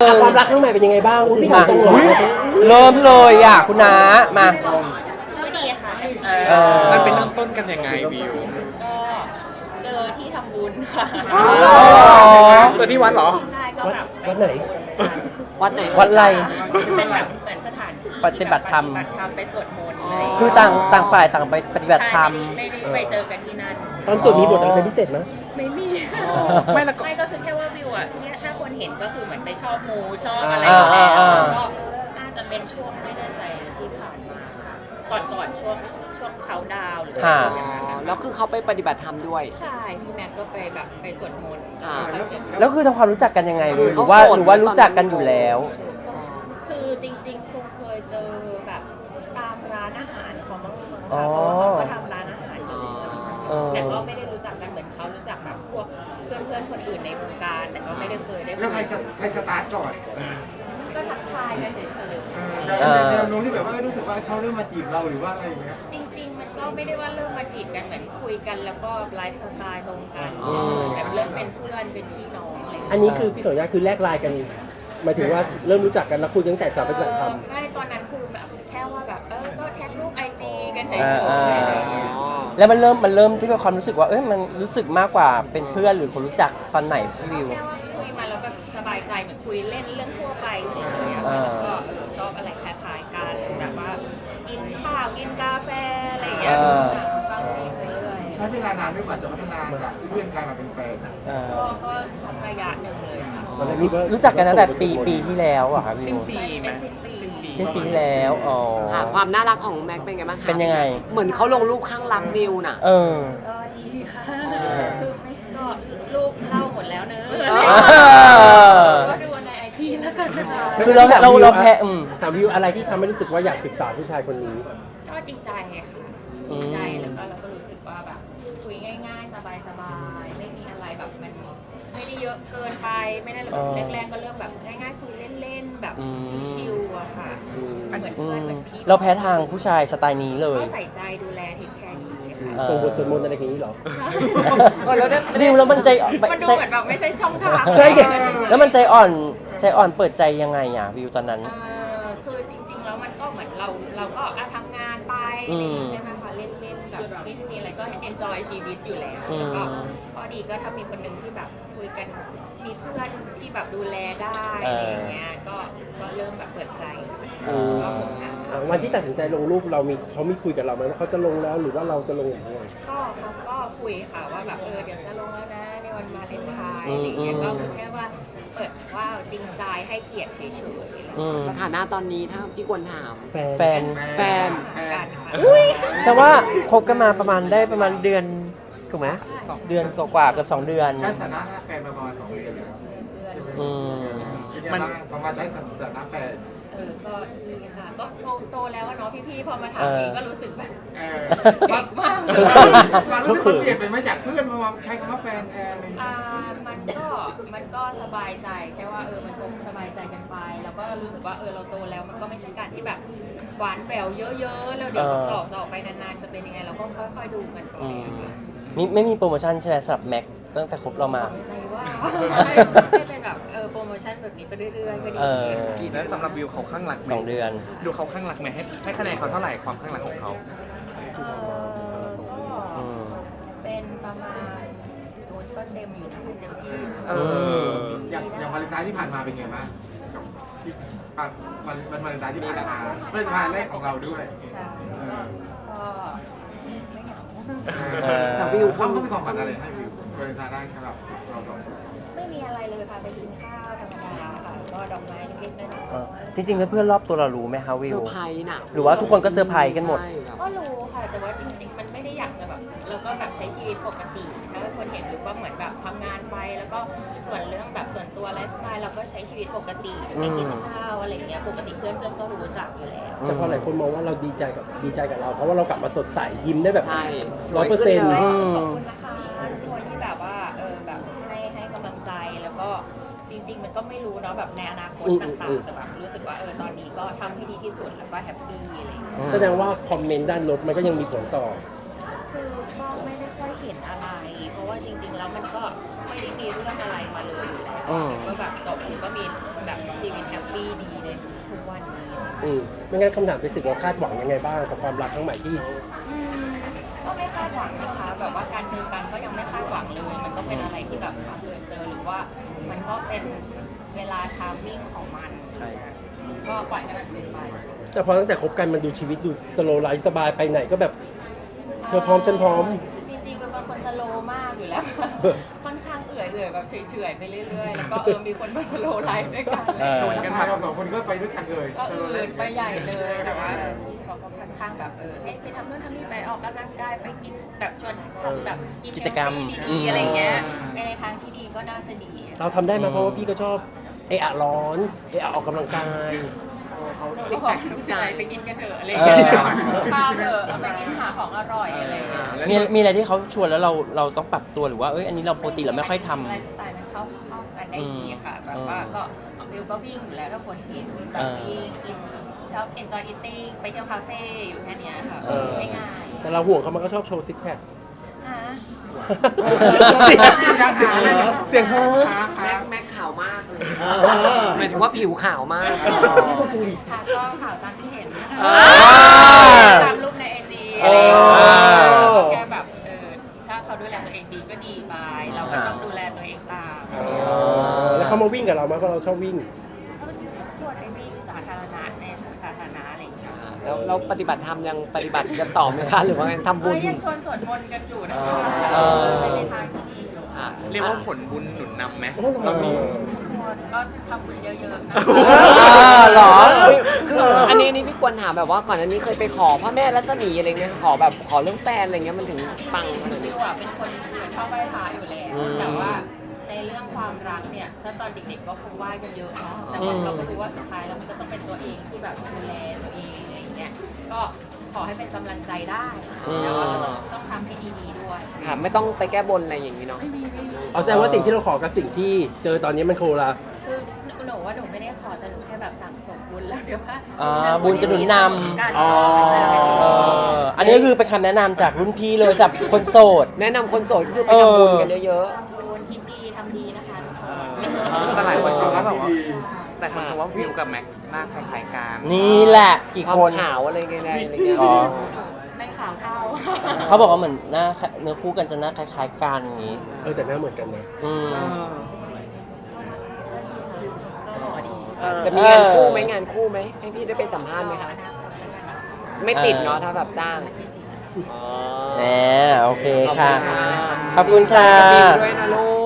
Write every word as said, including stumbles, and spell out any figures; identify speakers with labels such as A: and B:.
A: งความรักข้างในเป็นยังไงบ้างอุ้ยพี่ถามตรงเล
B: อุ๊ย
A: ย
B: เริ่มเลยอ่ะคุณน้ามา
C: ก็ดีค่ะ
B: เออ
D: มันเป็นเริ่มต้นกันยังไงวิว
C: ก็เจอที่ทำบุญค่ะ
D: เจอที่วัดเหรอ
C: ใช่ก็
A: วัด
C: แบบ
A: วัดไหน
E: วัดไหน
B: วัดไร
C: เป็นแบบเหมือนสถานที่
B: ปฏิบัติธรรม
C: ปฏิบัติธรรมไปสวดมนต์อะไรอย่างเงี้ย
B: คือต่างต่างฝ่ายต่างไปปฏิบัติธรรม
C: ใช่ไม่ได้ไม่ได้ไปเจอกันที่นั่น
A: ตอนสวดมีบทอะไรเป็นพิเศษไหม
C: ไม่มี
D: ไม่แล้วก็
C: ไม่ก็คือแค่ว่าวิวอ่ะเนี่ยถ้าคนเห็นก็คือเหมือนไปชอบมูชอบ
A: อ่า
C: อะไรอยู่แล้ว
B: อ่าอ่า
C: ก็น่าจะเป็นช่วงไม่แน่ใจที่ผ่านมาค่ะก่อนก่อนช่วงช่วงเขาดาวน์หรืออะไร
B: ค่ะ
C: อย่างเงี้ย
E: อ๋อ
C: ค่ะ
E: แล้วคือเขาไปปฏิบัติธรรมด้วย
C: ใช่พี่แม็กก็ไปแบบไปสวดมนต์
E: อ่า
C: แล้วก็
B: แล้วคือทำความรู้จักกันยังไง
E: คือ
B: หรื
E: เขา
B: อว่า
E: โสด
B: หรือว่า
E: ไหม
B: รู้จักกัน
E: ตอนนั้น
B: อยู่แล้ว
C: คือจริงๆคงเคยเจอแบบตามร้านอาหารของบางคน
B: อ๋
C: ค่ะ
B: อ
C: เพราะว่าเขาก็ทำร้านอาหารอยู่
B: เออ
C: แต่ก็ไม่ได้รู้จักกันเหมือนเขารู้จักแบบพวกเพื่อนๆคนอื่นในวงการ แต่ก็ไม่ได้เคยได้คุย
F: แล้วใครสใครสตาร์ทก่อน
C: ก็ทักทายกันเฉย
F: แต่แนวโน้มที่แบบว่ารู้สึกว่าเขาเริ่มมาจีบเราหรือว่าอะไรอย่างเงี้ย
C: ๆจริง ๆ มันก็ไม่ได้ว่าเริ่มมาจีบกันเหมือนคุยกัน แล้วก็ไลฟ์สไตล์ตรงกัน
B: อืม
C: แบบเริ่มเป็นเพื่อนเป็นพี่น้องอะไรอย่าง
A: อั
C: เงี้ย
A: นนี้คือพี่ขออนุญาตคือแลกไลน์กันหมายถึงว่าเริ่มรู้จักกันแล้วคุยกันตั้งแต่สาวปฏิบัติธรรม
C: ไม่ตอนนั้นคือแบบแค่ว่าแบบเออก็แท็กรูปไอจีกันเฉย
B: อ่า
C: ๆ
B: อ่า
C: อะไรอย่างเงี้ย
B: แล้วมันเริ่มมันเริ่มที่เป็นความรู้สึกว่าเอ้ยมันรู้สึกมากกว่าเป็นเพื่อนหรือคนรู้จักตอนไหนพี่วิว
C: แค่ว่าคุยมาแล้วแบบสบายใจเหมือนคุยเล่นเรื่องทั่วไปเฉยๆอะ
B: อ่า
C: ก็เออชอบอะไรคล้ายๆกันแบบว่ากินข้าวกินกาแฟอะไรอย่างเงี้ยฟังเพลงไปเรื่อย
F: ใช้เวลานานไม่กว่าจะพัฒนาจากเพื่อนกลายมาเป็นแฟน
B: เออ
C: ก็ก็สักระยะหนึ่งเลยค่ะ
B: รู้รู้จักกันตั้งแต่ปีปีที่แล้วอะครับพี่
D: สิ้น
B: วิว
D: ปีไหม
C: เป็นสิ้นปี
D: สิ้นปี
B: สิ้นปีที่แล้วอ๋อ
E: ค่ะ ความน่ารักของแม็กเป็นไงบ้างคะ
B: เป็นยังไง
E: เหมือนเขาลงรูปข้างรักวิวน่ะ
B: เออ
C: ก็ดีค่ะคือไม่ก็รูปเล่าหมดแล้วเนอะ
B: อ
C: ก็ดูในไอจีแล้วกันนะคะ
B: คือเราเราเราแพ้อืม
A: ถามวิวอะไรที่ทำให้รู้สึกว่าอยากศึกษาผู้ชายคนนี้
C: ก็จริงใจค่ะจริงใจแล้วก็เราก็รู้สึกว่าแบบคุยง่ายๆ สบายๆ ไม่มีอะไรแบบมันไม่ได้เยอะเกินไปไม่ได้แรกๆก็เริ่มแบบง่ายๆคุยเล่นๆแบบชิวๆอะค่ะเหมือน
B: อื
C: เพื่อนเหมื
B: ม
C: อนพี่
B: เราแพ้ทางผู้ชายสไตล์นี้เลย
C: ก็ใส่ใจดูแลเทคแคร์ดีค่ะ
B: เออ
A: ส่งบทสวดมนต์อะไรอย่างนี้เหรอ
E: เออแล้วได้
B: วิวแล้วมันใจ
C: มันดู
B: ใจ
C: เหมือนแบบไม่ใช่ช่องทาง
A: ใช่ไง
B: แล้วมันใจอ่อนใจอ่อนเปิดใจยังไงอ่ะวิวตอนนั้น
C: เออคือจริง ๆ แล้วมันก็เหมือนเราเราก็อ่ะทำงานไปอะไรอย่างงี้ใช่ไหมคะเล่นๆแบบไม่มีอะไรก็ enjoy ชีวิตอยู่แล้วแล้วก็พอดีก็ถ้ามีคนหนึ่งที่แบบคุยกันมีเพื่อนที่แบบดูแลได้อะไรอย่างเงี้ยก็ก็เริ่มแบบเปิดใจ
B: อืม
C: ก็คงนะ
A: อ่ะวันที่ตัดสินใจลงรูปเรามีเขามีคุยกับเราไหมว่าเขาจะลงแล้วหรือว่าเราจะลงอย่างไร
C: ก็เขาก็คุยค่ะว่าแบบเออเดี๋ยวจะลงแล้วนะในวันวาเลนไทน์อะไรอย่างเงี้ยก็คือแค่ว่าเปิดว่าจริงใจให้เกียรติเฉยๆ
B: อืม
E: สถานะตอนนี้ถ้าพี่ควรถาม
A: แฟน
B: แฟน
E: แฟน
C: กันค่ะ
B: จะว่าคบกันมาประมาณได้ประมาณเดือนถูกไหมเดือนกว่าๆเกือบสองเดือน
F: ใช้สถานะแฟนมาประมาณสองเดือนแล้ว
B: อืม
F: เป็นยังไงบ้างประมาณใช้สถานะแฟน
C: เออก็ดีค่ะก็โตโตแล้วอะเนาะพี่ๆพอมาถามเองก็รู้สึกแบบ
F: เออ
C: เด็กมาก
F: มันรู้สึกมันเปลี่ยนไปไหมจากเพื่อนมาใช้คำว่าแฟนแทนอะไรอย่างเงี้ย
C: อ่ามันก็มันก็สบายใจแค่ว่าเออมันคงสบายใจกันไป แล้วก็รู้สึกว่าเออเราโตแล้วมันก็ไม่ใช่การที่แบบหวานแหววเยอะๆแล้วเดี๋ยว
B: เออ
C: ต่อต่อไปนานๆจะเป็นยังไงเราก็ค่อยๆดูกันไป
B: อืม
C: อะค่ะ
B: มีไม่มีโปรโมชั่นใช่ไหมสำหรับแม็กตั้งแต่คบเรามา
C: ใจว่าให้เป็นแบบเออโปรโมชั่นแบบนี้ไปเรื่อยๆก็ดี
B: เออ
D: แล้วสำหรับวิวเขาข้างหลักไหม
B: สองเดือน
D: ดูเขาข้างหลักไหมให้ให้คะแนนเขาเท่าไหร่ความข้างหลักของเขา
C: เออก็
B: อืม
C: เป็นประมาณโอ้ยก็เต็มอยู่นะคะเต็มที่
D: เออ
F: อย่างอย่างวาเลนไทน์ที่ผ่านมาเป็นไงบ้างกับที่อ่ะวันวันวาเลนไทน์ที่ผ่านมาวาเลนไทน์แรกของเราด้วย
C: ใช่ก็ไม่เหงา
B: เออ
E: แต่วิว
F: เขาเขาเป็นของขวัญอะไรให้วิววาเลนไทน์แรกสำหรับเราสองคน
C: ไม่มีอะไรเลยค่ะไปกินข้าวธรรมดาค่ะแล้วก็ดอกไม้เล็กๆน้อย
B: เออจริงๆเพื่อนๆรอบตัวเรารู้ไหมคะวิ
E: เซอ
B: ว
E: ร์ไพรส์น่ะ
B: หรือว่าทุกคนก็เซอร์ไพรส์กันหมด
E: ใช่แบบ
C: ๆก็รู้ค่ะ แต่ว่าจริง ๆ มันไม่ได้อยากจะแบบเราก็แบบใช้ชีวิตปกติถ้าคนเห็นอยู่ก็เหมือนแบบทำงานไป แล้วก็ส่วนเรื่องแบบส่วนตัวไลฟ์สไตล์เราก็ใช้ชีวิตปกติไปกินข้าวอะไรอย่างเงี้ยปกติเพื่อนๆก็รู้จักอยู่แล้ว
A: แต่พอหลายคนมองว่าเราดีใจกับดีใจกับเรา เพราะว่าเรากลับมาสดใสยิ้มได้แบบ
E: ใช่
A: ร้อยเปอร์เซ็นต์
E: สวยขึ้น
C: ข
E: ล
C: อย บคุณนะคะทุกคนที่แบบว่าเออแบบให้ให้กำลังใจแล้วก็จริง ๆ มันก็ไม่รู้เนาะแบบในอนาคตต่างๆแต่แบบรู้สึกว่าเออตอนนี้ก็ทำให้ดีที่สุดแล้วก็แฮปปี้อะไรอย่างเงี้ย
A: แสดงว่าคอมเมนต์ด้านลบมันก็ยังมีผลต่อ
C: คือก็ไม่ได้ค่อยเห็นอะไร เพราะว่าจริง ๆ เราแล้วมันก็ไม่ได้มีเรื่องอะไรมาเลยอยู่แล้ว
B: อืม
C: ก็แบบจบแล้วก็มีแบบชีวิตแฮปปี้ดีเลยทุกวันนี้
A: อืมไม่งั้นคำถามเป็นสิ่งเราคาดหวังยังไงบ้างกับความรักครั้งใหม่ที่
C: อืมก็ไม่คาดหวังนะคะ แบบว่าการเจอกันก็ยังไม่คาดหวังเลย มันก็เป็นอะไรที่แบบบังเอิญเจอหรือว่ามันก็เป็นเวลาทามมิ่งของมันก็ปล่อยให้มันเป็นไป
A: แต่พอตั้งแต่คบกันมันดูชีวิตดูสโลว์ไลฟ์สบายไปไหนก็แบบเธอพร้อมฉันพร้อม
C: จริงๆเป็นคนสโลว์มากอยู่แล้ว ค่อนข้างเอื่อยเอื่อยๆแบบเฉยๆไปเรื่อยๆ แล้วก็เออมีคนมาสโลว์ไลฟ์ด้วยกัน
B: เออ
F: ชวนกันมาเราสองคนก็ไปด้วยกันเลย
C: ก็อื่นไปใหญ่เลยแต่ว่าเขาก็ค่อนข้างแบบเออให้ไปทำนู่นทำนี่ไปออกกำลังกายไปกินแบบชวนทำแบบ
B: กิจกรรม
C: ดีๆอะไรเงี้ยในทางที่ดีก็น่าจะดี
A: เราทำได้ไหมเพราะว่าพี่ก็ชอบเอะอะร้อนเอะอะออกกำลังกาย
C: เขาบอกใจไปกินกันเถอะอะไรอย่างเงี้ยพาเถอะเอาไปกินหาของอร่อยอะไรอย่างเงี้ย
B: มีมีอะไรที่เขาชวนแล้วเราเราต้องปรับตัวหรือว่าเอ้ยอันนี้เราปกติเราไม่ค่อยทำ
C: ไลฟ์สไตล์มันเข้าเข้ากันได้ดีค่ะแบบว่าก็วิวก็วิ่งอยู่แล้วถ้าคนที่แบบวิ่งกินชอบ enjoy eating ไปเที่ยวคาเฟ่อยู่แค่เนี้ยค่ะ
A: เออ
C: ไม่ง่าย
A: แต่เราห่วงเขามันก็ชอบโชว์ซิกแพค
C: ฮะ
A: เสียงเสียงเสียงฮะ
E: แม็กแม็กขาวมากเลยหมายถึงว่าผิวขาวมาก
C: ค่ะก็ข่าวตามที่เห็นนะคะ
B: อ่า
C: ตามรูปในไอจีอะไรอย่างเงี้ยแค่แบบเออถ้าเขาดูแลตัวเองดีก็ดีไป เราก็ต้องดูแลตัวเองตาม
A: แล้วเขามาวิ่งกับเราไหมเพราะเราชอบวิ่ง
C: ก็ชวนไปวิ่งสาธารณะในสวนสาธารณะอะไรอย่างเงี้ย
E: แล้วเราปฏิบัติธรรมยังปฏิบัติกันต่อไหมคะหรือว่าทำบุ
C: เอ้
E: ญ
C: ยยังชวนสวดมนต์กันอยู่นะคะ
B: เออ
C: ไปในทางที่ดีอยู่
E: อ่ะ
D: เรียกว่าผลบุญหนุนนำไหม
A: เรามี
C: ก็ทำบุญเยอะๆนะ
B: อ่าเหรอ
E: คืออันนี้นี่พี่ควรถามแบบว่าก่อนอันนี้เคยไปขอพ่อแม่รัศมีอะไรเงี้ยขอแบบขอเรื่องแฟนอะไรเงี้ยมันถึงปังขนาด
C: วิ
E: นี้
C: วอ่ะเป็นคนชอบไหว้พระอยู่แล้ว แต่ว่าในเรื่องความรักเนี่ยถ้าตอนเด็กๆก็คงไหว้กันเยอะเนาะแต่ว่าเราก็รู้ว่าสุดท้ายแล้วมันก็ต้องเป็นตัวเองที่แบบดูแลตัวเองอะไรอย่างเงี้ยก็ขอให้เป็นกำลังใจได้แต่ว่าเราต้องต้องทำให้ดีๆด้วย
E: ค่ะไม่ต้องไปแก้บนอะไรอย่างนี้เนาะ
A: เอาแสดงว่าสิ่งที่เราขอกับสิ่งที่เจอตอนนี้มันโคละ
C: คือหนูว่าหนูไม่ได้ขอแต่หนูแค่แบบสั่งสมบุญแล้วเดี๋ยวว่า
B: อ่าบุญจะหนุนนำ
C: กัน
A: อ๋อ
C: ไปเจอกันอีก
B: เอออันนี้ก็คือเป็นคำแนะนำจากรุ่นพี่เลยสำหรับคนโสด
E: แนะนำคนโสดก็คือไปทำบุญกันเยอะ
C: บุญคิดดีทำดีนะคะทุกคน
D: แต่หลายคนชมว่าแบบว่าแต่คนชมว่าวิวกับแม็กหน้าคล้ายๆกัน
B: นี่แหละกี่
E: ๆความ
B: คน
E: ขาวอะไรเงี้ยอะไรเงี้ย
B: อ๋อ
C: ไม่ขาวเท่า
B: เขาบอกว่าเหมือนหน้าเนื้อคู่กันจะหน้าคล้ายๆกันอย่างนี้
A: เออแต่หน้าเหมือนกันนะ
B: อืม
C: ก็หล่อดี
E: จะมีงานคู่ไหมงานคู่ไหมให้พี่ได้ไปสัมภาษณ์ไหมคะ ไม่ติดเนาะถ้าแบบจ้างอ๋อ
B: แหมโอเค
E: ขอบ
B: ค่ะ
E: ณ
B: ขอบคุณค่ะ
E: บิวด้วยนะลูก